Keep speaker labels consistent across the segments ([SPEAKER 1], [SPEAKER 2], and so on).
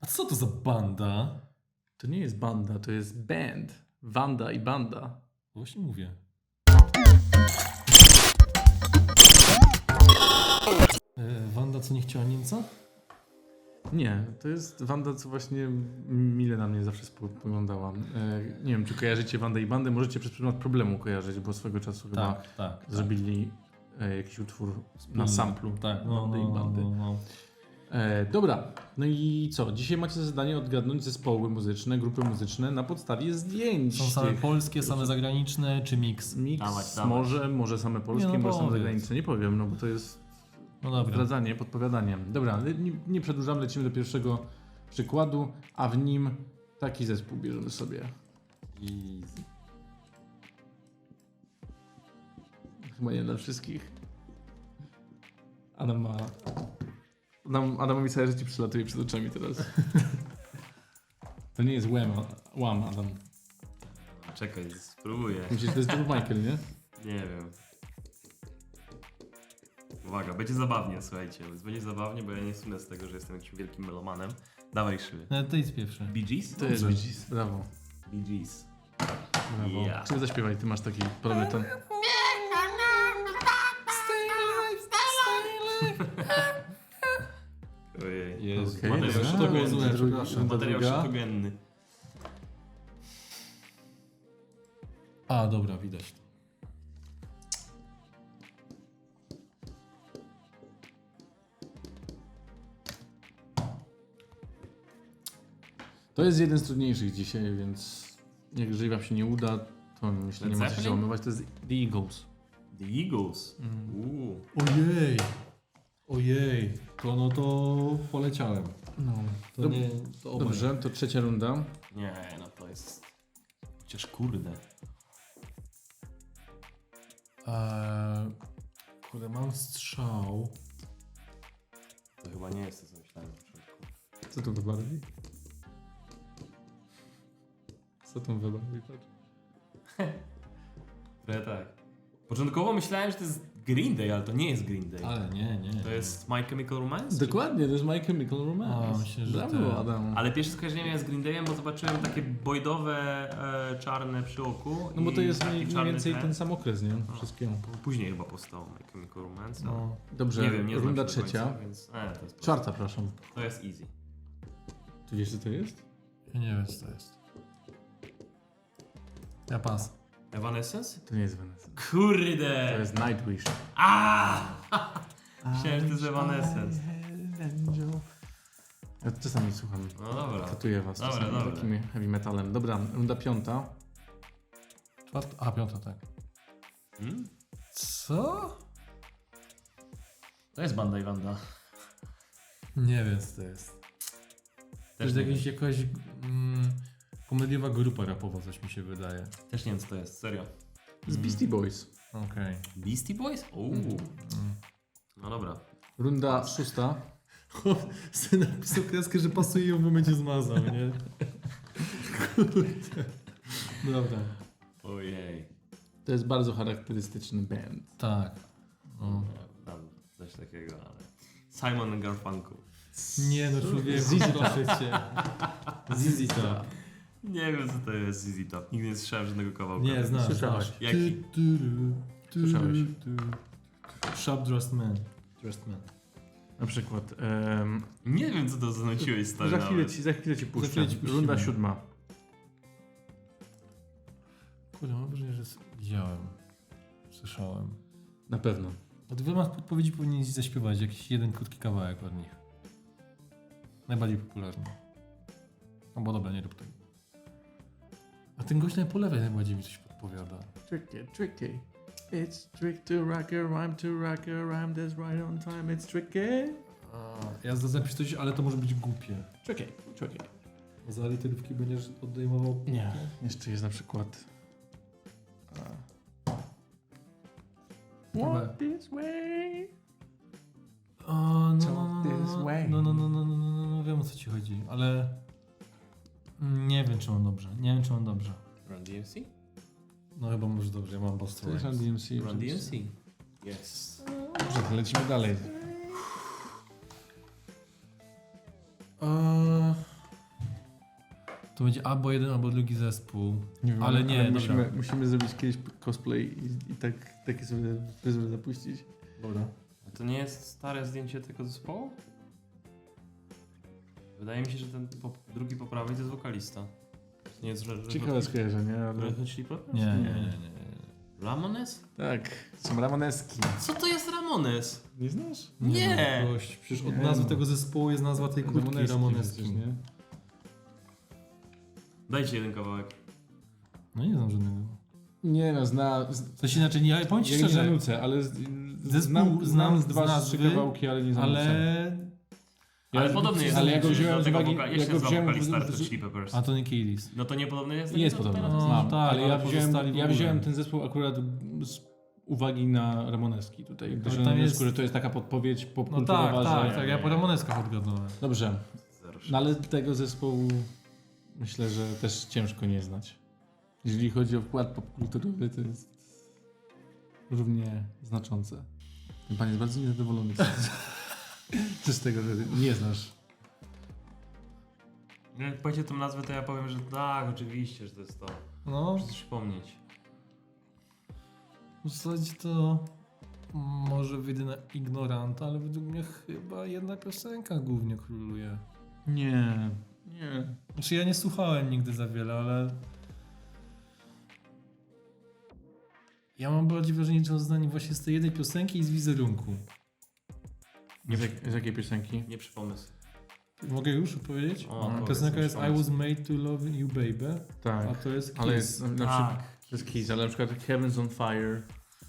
[SPEAKER 1] Co to za banda?
[SPEAKER 2] To nie jest banda, to jest band. Wanda i banda.
[SPEAKER 1] Właśnie mówię. Wanda, co nie chciała Niemca?
[SPEAKER 2] Nie, to jest Wanda, co właśnie mile na mnie zawsze spoglądała. Nie wiem, czy kojarzycie Wandę i bandę. Możecie przez przykład problemu kojarzyć, bo swego czasu chyba
[SPEAKER 1] Tak.
[SPEAKER 2] zrobili jakiś utwór na samplu
[SPEAKER 1] Tak,
[SPEAKER 2] Wandy i bandy. Dobra, no i co? Dzisiaj macie za zadanie odgadnąć zespoły muzyczne, grupy muzyczne na podstawie zdjęć.
[SPEAKER 1] Są same
[SPEAKER 2] tych.
[SPEAKER 1] polskie, same zagraniczne, czy miks?
[SPEAKER 2] Mix,
[SPEAKER 3] Dawać.
[SPEAKER 2] może same polskie,
[SPEAKER 1] Nie, no
[SPEAKER 2] może same
[SPEAKER 1] powiedz.
[SPEAKER 2] zagraniczne. Nie powiem, no bo to jest
[SPEAKER 1] No dobra.
[SPEAKER 2] zdradzanie, podpowiadanie. Dobra, ale nie przedłużamy, lecimy do pierwszego przykładu, a w nim taki zespół bierzemy sobie.
[SPEAKER 3] Easy.
[SPEAKER 2] Chyba nie dla wszystkich. Adamowi całe życie przylatuje przed oczami teraz. To nie jest Wham, Adam.
[SPEAKER 3] Czekaj, spróbuję.
[SPEAKER 2] Myślisz, że to jest George Michael, nie?
[SPEAKER 3] Nie wiem. Uwaga, będzie zabawnie, słuchajcie. Będzie zabawnie, bo ja nie słynę z tego, że jestem jakimś wielkim melomanem. Dawaj szyby.
[SPEAKER 1] To jest pierwszy.
[SPEAKER 3] Bee Gees?
[SPEAKER 2] To jest Bee Gees, brawo.
[SPEAKER 3] Bee Gees.
[SPEAKER 2] Brawo.
[SPEAKER 3] Ja.
[SPEAKER 2] Czy zaśpiewaj, ty masz taki podobny ton.
[SPEAKER 3] Ojej.
[SPEAKER 1] Jest.
[SPEAKER 2] Okej,
[SPEAKER 3] Materiał
[SPEAKER 2] dobra.
[SPEAKER 3] szytogenny.
[SPEAKER 1] Przepraszam.
[SPEAKER 3] Materiał
[SPEAKER 2] druga.
[SPEAKER 3] szytogenny.
[SPEAKER 1] A, dobra, widać to.
[SPEAKER 2] To jest jeden z trudniejszych dzisiaj, więc jeżeli wam się nie uda, to myślę, nie
[SPEAKER 3] Led
[SPEAKER 2] ma co się
[SPEAKER 3] Zeppelin?
[SPEAKER 2] załamywać. To jest The Eagles.
[SPEAKER 3] The Eagles.
[SPEAKER 1] Ojej. To no to poleciałem.
[SPEAKER 2] No.
[SPEAKER 1] To nie... To obaj.
[SPEAKER 2] Dobrze, to trzecia runda.
[SPEAKER 3] Nie, no to jest... Chociaż kurde.
[SPEAKER 1] Kurde, mam strzał.
[SPEAKER 3] To chyba nie jest to, co myślałem na początku.
[SPEAKER 2] Co tu wybarwi? Co tam wybarwi?
[SPEAKER 3] Trochę tak. Początkowo myślałem, że to jest Green Day, ale to nie jest Green Day.
[SPEAKER 1] Ale nie.
[SPEAKER 3] To jest My Chemical Romance?
[SPEAKER 2] Dokładnie, to jest My Chemical Romance.
[SPEAKER 1] A, myślę, że
[SPEAKER 2] brawo,
[SPEAKER 1] tak.
[SPEAKER 2] Adam.
[SPEAKER 3] Ale pierwsze skojarzenie miałem z Green Dayem, bo zobaczyłem takie bojdowe, czarne przy oku.
[SPEAKER 2] No bo to
[SPEAKER 3] i
[SPEAKER 2] jest
[SPEAKER 3] taki
[SPEAKER 2] mniej
[SPEAKER 3] czarny
[SPEAKER 2] więcej
[SPEAKER 3] tren.
[SPEAKER 2] ten sam okres, nie? Wszystkiego.
[SPEAKER 3] Później chyba powstało My Chemical Romance. No.
[SPEAKER 1] No.
[SPEAKER 2] Dobrze,
[SPEAKER 3] Nie wiem, nie znam
[SPEAKER 2] runda
[SPEAKER 3] się do
[SPEAKER 2] trzecia.
[SPEAKER 3] końca, więc... to jest proste.
[SPEAKER 2] Czwarta, przepraszam.
[SPEAKER 3] To jest easy.
[SPEAKER 2] Ty wiesz, co to jest?
[SPEAKER 1] Ja nie wiem, co to jest. Ja pas.
[SPEAKER 3] Evanescence?
[SPEAKER 2] To nie jest Vanessa.
[SPEAKER 3] Kurde!
[SPEAKER 2] To jest Nightwish.
[SPEAKER 3] Myślałem, że to jest Evanescence.
[SPEAKER 2] Ja czasami słucham.
[SPEAKER 3] No dobra.
[SPEAKER 2] Katuję was
[SPEAKER 3] Dobra,
[SPEAKER 2] czasami
[SPEAKER 3] dobra.
[SPEAKER 2] takim heavy metalem. Dobra, runda piąta.
[SPEAKER 1] Czwarta? A, piąta, tak.
[SPEAKER 3] Hmm?
[SPEAKER 1] Co?
[SPEAKER 3] To jest Banda i Wanda.
[SPEAKER 1] Nie wiem, co to jest. To jest jakaś komediowa grupa rapowa, coś mi się wydaje.
[SPEAKER 3] Też nie wiem, co to jest, serio.
[SPEAKER 2] Z Beastie Boys.
[SPEAKER 1] Okej.
[SPEAKER 3] Beastie Boys? No dobra.
[SPEAKER 2] Runda szósta.
[SPEAKER 1] Syn napisał kreskę, że pasuje ją w momencie zmazał, nie? Kurde. Dobra.
[SPEAKER 3] Ojej.
[SPEAKER 2] To jest bardzo charakterystyczny band.
[SPEAKER 1] Tak. No.
[SPEAKER 3] Tam coś takiego, ale... Simon Garfunkel.
[SPEAKER 1] Nie no, człowieku, proszę cię. ZZ Top.
[SPEAKER 3] Nie wiem, co to jest ZZ Top. Nigdy nie słyszałem żadnego kawałka.
[SPEAKER 1] Nie, znasz.
[SPEAKER 2] Słyszałeś.
[SPEAKER 3] Jaki?
[SPEAKER 2] Słyszałeś.
[SPEAKER 1] Sharp Dressed Man. Dressed Man.
[SPEAKER 2] Na przykład.
[SPEAKER 3] Nie wiem, co to zanosiłeś, stary.
[SPEAKER 2] Za chwilę ci puszczę.
[SPEAKER 1] chwilę ci puścimy.
[SPEAKER 2] Runda siódma.
[SPEAKER 1] Kurde, mam wrażenie, że widziałem. Słyszałem.
[SPEAKER 2] Na pewno.
[SPEAKER 1] Od wielu podpowiedzi powinien zaśpiewać jakiś jeden krótki kawałek od nich. Najbardziej popularny. No bo dobra, nie rób tego. A ten gość po lewej najbardziej mi coś podpowiada.
[SPEAKER 2] Tricky. It's trick to rock a rhyme, that's right on time, it's tricky.
[SPEAKER 1] Ja zapiszę coś, ale to może być głupie.
[SPEAKER 2] Tricky.
[SPEAKER 1] Za literówki będziesz odejmował?
[SPEAKER 2] Nie. Jeszcze jest na przykład.
[SPEAKER 1] Dobra.
[SPEAKER 2] Walk this way.
[SPEAKER 1] No, wiem o co ci chodzi, ale nie wiem czy mam dobrze.
[SPEAKER 3] Run DMC?
[SPEAKER 1] No chyba może dobrze, ja mam
[SPEAKER 2] To
[SPEAKER 1] Boston
[SPEAKER 2] jest
[SPEAKER 1] Rhymes.
[SPEAKER 2] Run DMC.
[SPEAKER 3] Run DMC. Yes.
[SPEAKER 2] Dobrze, to lecimy dalej.
[SPEAKER 1] To będzie albo jeden, albo drugi zespół.
[SPEAKER 2] Nie wiem,
[SPEAKER 1] Ale nie,
[SPEAKER 2] musimy zrobić kiedyś cosplay i takie sobie fryzurę zapuścić.
[SPEAKER 1] Dobra.
[SPEAKER 3] A to nie jest stare zdjęcie tego zespołu? Wydaje mi się, że ten drugi po prawej to jest wokalista. To nie jest
[SPEAKER 2] Ciekawe skojarzenie, ale...
[SPEAKER 3] Red Hot Chili Peppers?
[SPEAKER 1] Nie.
[SPEAKER 3] Ramones?
[SPEAKER 2] Tak, są Ramoneski.
[SPEAKER 3] Co to jest Ramones?
[SPEAKER 2] Nie znasz?
[SPEAKER 3] Nie.
[SPEAKER 1] No, gość, przecież od
[SPEAKER 2] Nie,
[SPEAKER 1] nazwy
[SPEAKER 2] no.
[SPEAKER 1] tego zespołu jest nazwa tej kurtki Ramoneski.
[SPEAKER 2] przecież, nie?
[SPEAKER 3] Dajcie jeden kawałek.
[SPEAKER 1] No nie znam żadnego.
[SPEAKER 2] Nie no,
[SPEAKER 1] Coś inaczej, nie, powiem ci
[SPEAKER 2] ja nie
[SPEAKER 1] szczerze,
[SPEAKER 2] nucę, ale
[SPEAKER 1] Zespół
[SPEAKER 2] znam
[SPEAKER 1] z
[SPEAKER 2] dwa,
[SPEAKER 1] nazwy,
[SPEAKER 2] trzy kawałki, ale nie znam nucę.
[SPEAKER 1] ale...
[SPEAKER 3] Ale podobny jest.
[SPEAKER 2] ale ja go wziąłem
[SPEAKER 3] do
[SPEAKER 2] z
[SPEAKER 3] tego
[SPEAKER 2] uwagi-
[SPEAKER 3] jak
[SPEAKER 2] ja
[SPEAKER 3] się
[SPEAKER 2] go
[SPEAKER 3] nazywa
[SPEAKER 2] wziąłem
[SPEAKER 3] wokalista
[SPEAKER 2] w-
[SPEAKER 3] Red Hot Chili Peppers?
[SPEAKER 1] Anthony Kiedis.
[SPEAKER 3] No to niepodobny jest?
[SPEAKER 2] Jest podobny,
[SPEAKER 1] No,
[SPEAKER 2] znam,
[SPEAKER 1] tak,
[SPEAKER 2] ale
[SPEAKER 1] ale
[SPEAKER 2] ja
[SPEAKER 1] pozostali w ogóle.
[SPEAKER 2] wziąłem ten zespół akurat z uwagi na Ramoneski tutaj, gdyż
[SPEAKER 1] tam
[SPEAKER 2] na
[SPEAKER 1] jest-
[SPEAKER 2] wniosku, że to jest taka podpowiedź
[SPEAKER 1] No
[SPEAKER 2] popkulturowa,
[SPEAKER 1] tak,
[SPEAKER 2] że...
[SPEAKER 1] tak, ja po Ramoneskach odgadnąłem.
[SPEAKER 2] Dobrze,
[SPEAKER 3] Zero.
[SPEAKER 2] no ale tego zespołu myślę, że też ciężko nie znać. Jeżeli chodzi o wkład popkulturowy, to jest równie znaczące. Ten pan jest bardzo niezadowolony z tego, że nie znasz.
[SPEAKER 3] Jak powiecie tą nazwę, to ja powiem, że tak, oczywiście, że to jest to.
[SPEAKER 1] No,
[SPEAKER 3] Muszę coś przypomnieć.
[SPEAKER 1] w zasadzie to może wyjdę na ignoranta, ale według mnie chyba jedna piosenka głównie króluje.
[SPEAKER 2] Nie.
[SPEAKER 1] Znaczy ja nie słuchałem nigdy za wiele, ale... Ja mam bardziej wrażenie, że on znany właśnie z tej jednej piosenki i z wizerunku.
[SPEAKER 2] Z jakiej piosenki?
[SPEAKER 3] Nie przypomnę sobie.
[SPEAKER 1] Mogę już powiedzieć?
[SPEAKER 3] O, powiedz,
[SPEAKER 1] Piosenka
[SPEAKER 3] już
[SPEAKER 1] jest I
[SPEAKER 3] pomysł.
[SPEAKER 1] was made to love you baby,
[SPEAKER 2] Tak.
[SPEAKER 1] a to jest Kiss.
[SPEAKER 2] Ale jest na przykład...
[SPEAKER 3] Tak.
[SPEAKER 2] To jest Kiss, ale na przykład Heaven's on Fire.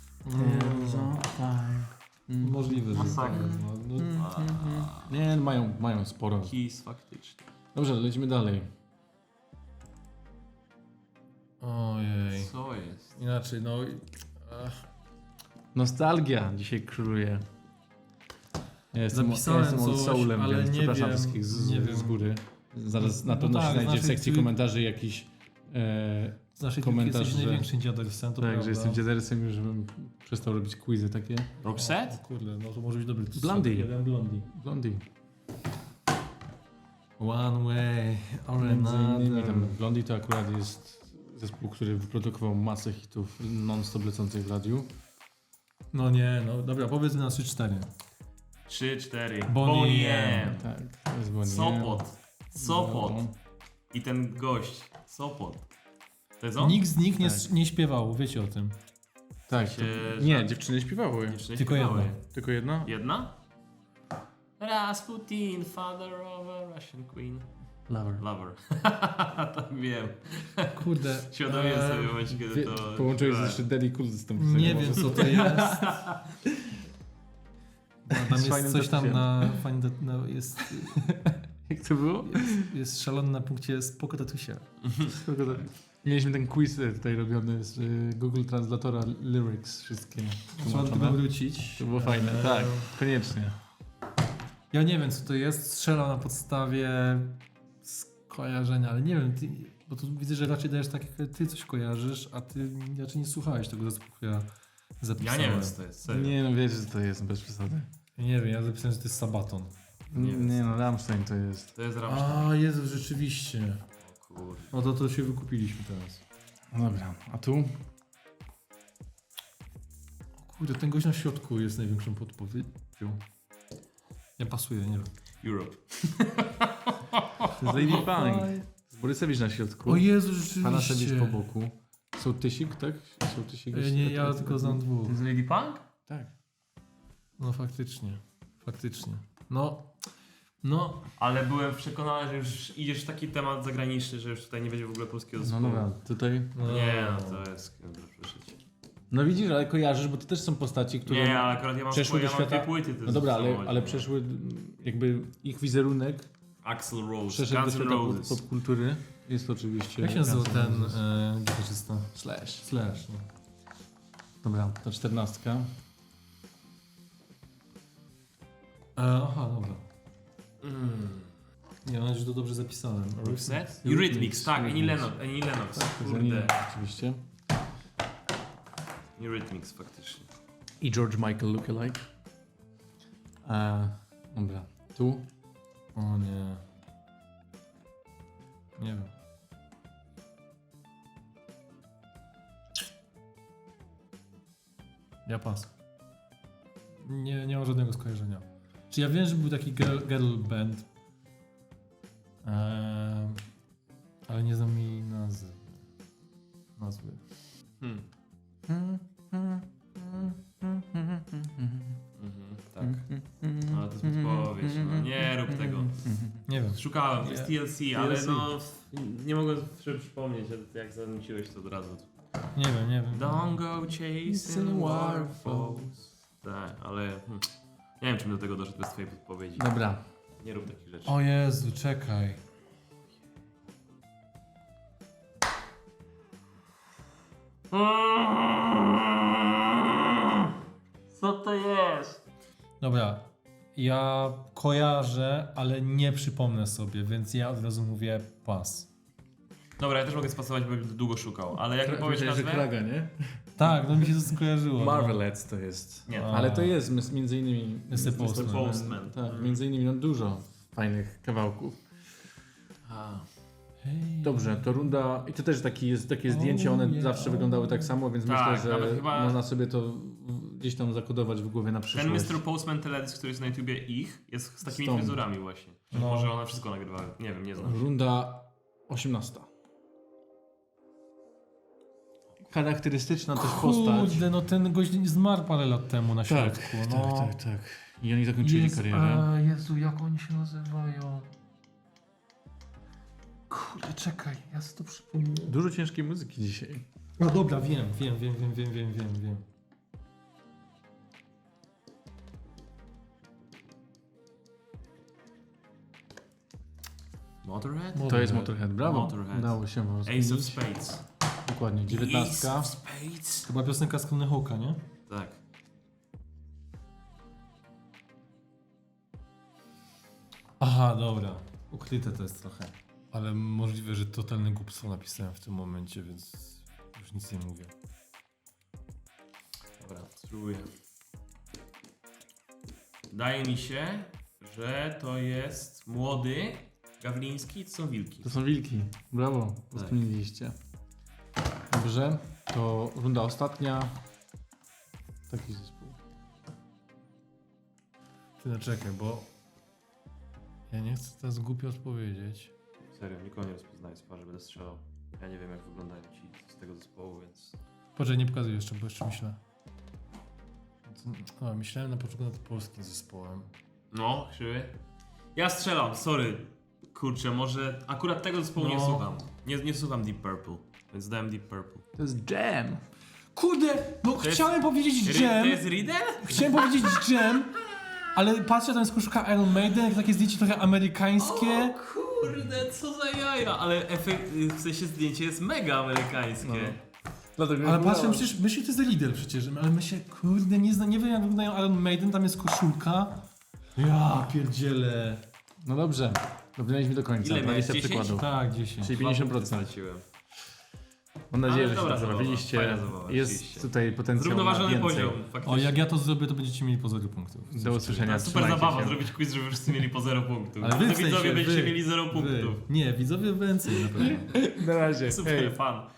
[SPEAKER 1] Możliwe, że
[SPEAKER 3] Masakra.
[SPEAKER 1] tak. No,
[SPEAKER 2] Nie, mają sporo.
[SPEAKER 3] Kiss, faktycznie.
[SPEAKER 2] Dobrze, lecimy dalej.
[SPEAKER 1] Ojej.
[SPEAKER 3] Co jest?
[SPEAKER 1] Inaczej, no...
[SPEAKER 2] Nostalgia dzisiaj króluje. Ja jestem
[SPEAKER 1] Zapisałem
[SPEAKER 2] old
[SPEAKER 1] coś,
[SPEAKER 2] soulem,
[SPEAKER 1] ale
[SPEAKER 2] więc
[SPEAKER 1] nie
[SPEAKER 2] przepraszam
[SPEAKER 1] wiem,
[SPEAKER 2] wszystkich
[SPEAKER 1] nie wiem.
[SPEAKER 2] z góry. Zaraz na
[SPEAKER 1] No
[SPEAKER 2] pewno
[SPEAKER 1] tak,
[SPEAKER 2] się znajdzie w
[SPEAKER 1] znaczy,
[SPEAKER 2] sekcji
[SPEAKER 1] ty-
[SPEAKER 2] komentarzy jakiś
[SPEAKER 1] Z naszej
[SPEAKER 2] komentarz,
[SPEAKER 1] trójki jesteś
[SPEAKER 2] że-
[SPEAKER 1] największym dziadersem, to
[SPEAKER 2] tak,
[SPEAKER 1] prawda.
[SPEAKER 2] że jestem dziadersem już, żebym przestał robić quizy takie.
[SPEAKER 3] Roxette?
[SPEAKER 1] O kurde, no to może być dobry.
[SPEAKER 2] Blondie.
[SPEAKER 1] Jeden Blondie.
[SPEAKER 2] Blondie.
[SPEAKER 1] One way or
[SPEAKER 2] Między innymi tam
[SPEAKER 1] another.
[SPEAKER 2] Blondie to akurat jest zespół, który wyprodukował masę hitów non-stop lecących w radiu.
[SPEAKER 1] No nie, no dobra, powiedzmy na 3-4.
[SPEAKER 3] 3-4.
[SPEAKER 1] Bonnie M.
[SPEAKER 2] Tak, to jest Bonnie.
[SPEAKER 3] Sopot. Sopot.
[SPEAKER 2] No.
[SPEAKER 3] I ten gość. Sopot. To jest on?
[SPEAKER 1] Nikt z nich
[SPEAKER 2] Tak.
[SPEAKER 1] nie śpiewał, wiecie o tym.
[SPEAKER 2] Tak,
[SPEAKER 3] Się,
[SPEAKER 2] nie,
[SPEAKER 3] że-
[SPEAKER 2] dziewczyny śpiewały.
[SPEAKER 3] Dziewczyny
[SPEAKER 1] Tylko
[SPEAKER 3] śpiewały.
[SPEAKER 1] jedna.
[SPEAKER 2] Tylko jedna?
[SPEAKER 3] Jedna? Rasputin, father of a Russian queen.
[SPEAKER 2] Lover.
[SPEAKER 3] Lover. Tak wiem.
[SPEAKER 1] Kurde.
[SPEAKER 3] Świadomie sobie w momencie, kiedy to...
[SPEAKER 2] Połączyłeś
[SPEAKER 3] śpiewałem.
[SPEAKER 2] jeszcze Daddy Cool z tą piosenką.
[SPEAKER 1] Nie wiem co to jest. No, tam
[SPEAKER 2] Z
[SPEAKER 1] jest
[SPEAKER 2] fajnym
[SPEAKER 1] coś tam
[SPEAKER 2] tatusiem.
[SPEAKER 1] no, jest
[SPEAKER 2] Jak to było?
[SPEAKER 1] szalony na punkcie spoko tatusia.
[SPEAKER 2] Mieliśmy ten quiz tutaj robiony z Google Translatora lyrics wszystkie.
[SPEAKER 1] Trzeba do tego
[SPEAKER 2] tłumaczone.
[SPEAKER 1] wrócić.
[SPEAKER 2] To było fajne, tak, koniecznie.
[SPEAKER 1] Ja nie wiem co to jest, strzelam na podstawie skojarzenia, ale nie wiem, bo tu widzę, że raczej dajesz tak, jak ty coś kojarzysz, a ty raczej nie słuchałeś tego zespołu, który ja
[SPEAKER 3] Ja
[SPEAKER 1] zapisałem.
[SPEAKER 3] nie wiem, co to jest. Serio.
[SPEAKER 2] Nie no, wiesz, że to jest bez przesady.
[SPEAKER 1] Ja nie wiem, ja zapisałem, że to jest Sabaton.
[SPEAKER 2] Nie no, Rammstein to jest.
[SPEAKER 3] To jest Rammstein.
[SPEAKER 1] A, Jezu, rzeczywiście.
[SPEAKER 3] O kurde.
[SPEAKER 1] No to się wykupiliśmy teraz.
[SPEAKER 2] No dobra, a tu?
[SPEAKER 1] O kurde, ten gość na środku jest największą podpowiedzią. Ja pasuję, nie wiem.
[SPEAKER 3] Europe.
[SPEAKER 2] To jest Lady Punk. Borysewicz na środku.
[SPEAKER 1] O Jezu, rzeczywiście.
[SPEAKER 2] Panasewicz po boku. Sołtysik, tak? Sołtysik jest
[SPEAKER 1] Nie,
[SPEAKER 2] taki-
[SPEAKER 1] ja tylko znam dwóch.
[SPEAKER 3] To jest Lady Punk?
[SPEAKER 2] Tak.
[SPEAKER 1] No faktycznie. No,
[SPEAKER 3] Ale byłem przekonany, że już idziesz w taki temat zagraniczny, że już tutaj nie będzie w ogóle polskiego
[SPEAKER 2] No
[SPEAKER 3] zespołu.
[SPEAKER 2] dobra, tutaj.
[SPEAKER 1] no.
[SPEAKER 3] Nie, no to jest... Proszę cię.
[SPEAKER 2] No widzisz, ale kojarzysz, bo to też są postaci, które
[SPEAKER 3] Nie, ale akurat ja mam,
[SPEAKER 2] przeszły do
[SPEAKER 3] ja mam
[SPEAKER 2] świata.
[SPEAKER 3] dwie płyty.
[SPEAKER 2] No dobra,
[SPEAKER 3] samochodzie,
[SPEAKER 2] ale
[SPEAKER 3] no.
[SPEAKER 2] przeszły jakby ich wizerunek
[SPEAKER 3] Axl Rose,
[SPEAKER 2] przeszedł do
[SPEAKER 3] Guns N'
[SPEAKER 2] świata
[SPEAKER 3] Roses.
[SPEAKER 2] popkultury. Jest to oczywiście.
[SPEAKER 1] Jak się nazywa
[SPEAKER 2] Guns N'
[SPEAKER 1] ten
[SPEAKER 2] Roses.
[SPEAKER 1] gitarzysta?
[SPEAKER 2] Slash.
[SPEAKER 1] Slash. No.
[SPEAKER 2] Dobra, to 14.
[SPEAKER 1] Aha, dobra. Nie, mam nadzieję, że to dobrze zapisałem.
[SPEAKER 3] Roxette? Eurythmics, tak, Annie Lennox.
[SPEAKER 2] To jest
[SPEAKER 3] Kurde.
[SPEAKER 2] oczywiście.
[SPEAKER 3] Eurythmics, faktycznie.
[SPEAKER 2] I George Michael lookalike. Dobra, tu.
[SPEAKER 1] O nie. Nie wiem. Ja pas. Nie mam żadnego skojarzenia. Czy ja wiem, że był taki girl band, ale nie znam jej nazwy.
[SPEAKER 3] Tak. Ale to jest podpowiedź. No, nie rób tego.
[SPEAKER 1] Nie wiem.
[SPEAKER 3] Szukałem, to jest TLC, ale
[SPEAKER 2] TLC.
[SPEAKER 3] no nie mogłem sobie przypomnieć, jak zanuciłeś to od razu.
[SPEAKER 1] Nie wiem.
[SPEAKER 3] Don't go chasing waterfalls. Tak, ale nie wiem, czym do tego doszedł bez twojej podpowiedzi.
[SPEAKER 2] Dobra.
[SPEAKER 3] Nie rób takich rzeczy.
[SPEAKER 1] O Jezu, czekaj.
[SPEAKER 3] Co to jest?
[SPEAKER 1] Dobra, ja kojarzę, ale nie przypomnę sobie, więc ja od razu mówię pas.
[SPEAKER 3] Dobra, ja też mogę spasować, bo długo szukał, ale jak mi powiesz
[SPEAKER 2] Myślałem, że
[SPEAKER 3] nazwę?
[SPEAKER 2] Kraga, nie?
[SPEAKER 1] Tak, no mi się to skojarzyło.
[SPEAKER 2] Marvelettes to jest.
[SPEAKER 3] Nie.
[SPEAKER 1] A.
[SPEAKER 2] Ale to jest między innymi...
[SPEAKER 1] Mr. Postman.
[SPEAKER 3] Mr. Postman.
[SPEAKER 2] Tak, między innymi no, dużo fajnych kawałków.
[SPEAKER 1] Hej.
[SPEAKER 2] Dobrze, to runda... I to też takie zdjęcia, one
[SPEAKER 1] yeah.
[SPEAKER 2] zawsze wyglądały tak samo, więc
[SPEAKER 3] Tak,
[SPEAKER 2] myślę,
[SPEAKER 3] nawet
[SPEAKER 2] że
[SPEAKER 3] chyba-
[SPEAKER 2] można sobie to gdzieś tam zakodować w głowie na
[SPEAKER 3] Ten
[SPEAKER 2] przyszłość.
[SPEAKER 3] Mr. Postman teledysk, który jest na YouTubie ich, jest z takimi
[SPEAKER 2] Stąd.
[SPEAKER 3] fryzurami właśnie.
[SPEAKER 1] No.
[SPEAKER 3] Może one wszystko nagrywały. Nie wiem, nie znam.
[SPEAKER 2] Runda 18. Charakterystyczna też postać.
[SPEAKER 1] Kurde, no ten gość zmarł parę lat temu na
[SPEAKER 2] Tak,
[SPEAKER 1] środku. No.
[SPEAKER 2] tak. I oni zakończyli karierę.
[SPEAKER 1] Jezu, jak oni się nazywają? Kurde, czekaj, ja sobie to przypomnę.
[SPEAKER 2] Dużo ciężkiej muzyki dzisiaj.
[SPEAKER 1] No dobra, wiem.
[SPEAKER 3] Motorhead?
[SPEAKER 2] To jest Motorhead, brawo.
[SPEAKER 3] Motorhead.
[SPEAKER 2] Udało się wam
[SPEAKER 3] Ace of
[SPEAKER 2] rozkminić.
[SPEAKER 3] Spades.
[SPEAKER 2] Dokładnie, 19.
[SPEAKER 3] Ace of Spades.
[SPEAKER 1] Chyba piosenka z Tony Hawk'a, nie?
[SPEAKER 3] Tak.
[SPEAKER 1] Aha, dobra. Ukryte to jest trochę. Ale możliwe, że totalne głupstwo napisałem w tym momencie, więc już nic nie mówię.
[SPEAKER 3] Dobra, spróbuję. Wydaje mi się, że to jest młody Gawliński, to są wilki.
[SPEAKER 2] To są wilki. Brawo, rozkminiliście. Dobrze, to runda ostatnia. Taki zespół.
[SPEAKER 1] Ty no czekaj, bo ja nie chcę teraz głupio odpowiedzieć.
[SPEAKER 3] Serio, nikogo nie rozpoznaję z twarzy, będę strzelał. Ja nie wiem, jak wyglądają ci z tego zespołu, więc...
[SPEAKER 1] Poczekaj, nie pokazuję jeszcze, bo jeszcze myślę. No, myślałem na początku nad polskim zespołem.
[SPEAKER 3] No, krzywy. Ja strzelam, sorry. Kurczę, może akurat tego zespołu nie
[SPEAKER 1] No.
[SPEAKER 3] słucham. Nie słucham Deep Purple, więc dałem Deep Purple.
[SPEAKER 2] To jest Jam.
[SPEAKER 1] Kurde, no
[SPEAKER 3] jest-
[SPEAKER 1] chciałem powiedzieć
[SPEAKER 3] To
[SPEAKER 1] Jam.
[SPEAKER 3] jest Riddle?
[SPEAKER 1] Chciałem powiedzieć Jam, ale patrzę, tam jest koszulka Iron Maiden, takie zdjęcie trochę amerykańskie.
[SPEAKER 3] Kurde, co za jaja. Ale w sensie zdjęcie jest mega amerykańskie.
[SPEAKER 2] Dlatego
[SPEAKER 1] Ale patrzę, przecież myślę, to jest Riddle przecież, ale myślę, kurde, nie wiem jak wyglądają Iron Maiden, tam jest koszulka. Ja pierdzielę.
[SPEAKER 2] No dobrze, dobrnęliśmy do końca.
[SPEAKER 3] Ile miałeś,
[SPEAKER 2] 20
[SPEAKER 3] 10?
[SPEAKER 2] przykładów.
[SPEAKER 1] Tak, 10.
[SPEAKER 2] Czyli
[SPEAKER 3] Dwa punkty
[SPEAKER 2] 50%.
[SPEAKER 3] straciłem.
[SPEAKER 2] Mam nadzieję,
[SPEAKER 3] Ale
[SPEAKER 2] że się
[SPEAKER 3] dobra
[SPEAKER 2] dobrze
[SPEAKER 3] zabawa,
[SPEAKER 2] bawiliście.
[SPEAKER 3] fajna zabawa,
[SPEAKER 2] Jest
[SPEAKER 3] oczywiście.
[SPEAKER 2] tutaj potencjał na
[SPEAKER 3] Zrównoważony
[SPEAKER 2] więcej.
[SPEAKER 3] poziom,
[SPEAKER 1] O,
[SPEAKER 3] faktycznie.
[SPEAKER 1] jak ja to zrobię, to będziecie mieli po 0 punktów.
[SPEAKER 2] Do usłyszenia.
[SPEAKER 3] To super
[SPEAKER 2] Trzymajcie
[SPEAKER 3] zabawa
[SPEAKER 2] się.
[SPEAKER 3] zrobić quiz, żeby wszyscy mieli po 0 punktów.
[SPEAKER 1] Ale wy
[SPEAKER 3] To
[SPEAKER 1] w sensie,
[SPEAKER 3] widzowie będziecie
[SPEAKER 1] wy.
[SPEAKER 3] mieli 0 punktów.
[SPEAKER 1] Nie, widzowie więcej na pewno.
[SPEAKER 2] Na razie.
[SPEAKER 3] Super
[SPEAKER 2] Hej.
[SPEAKER 3] fan.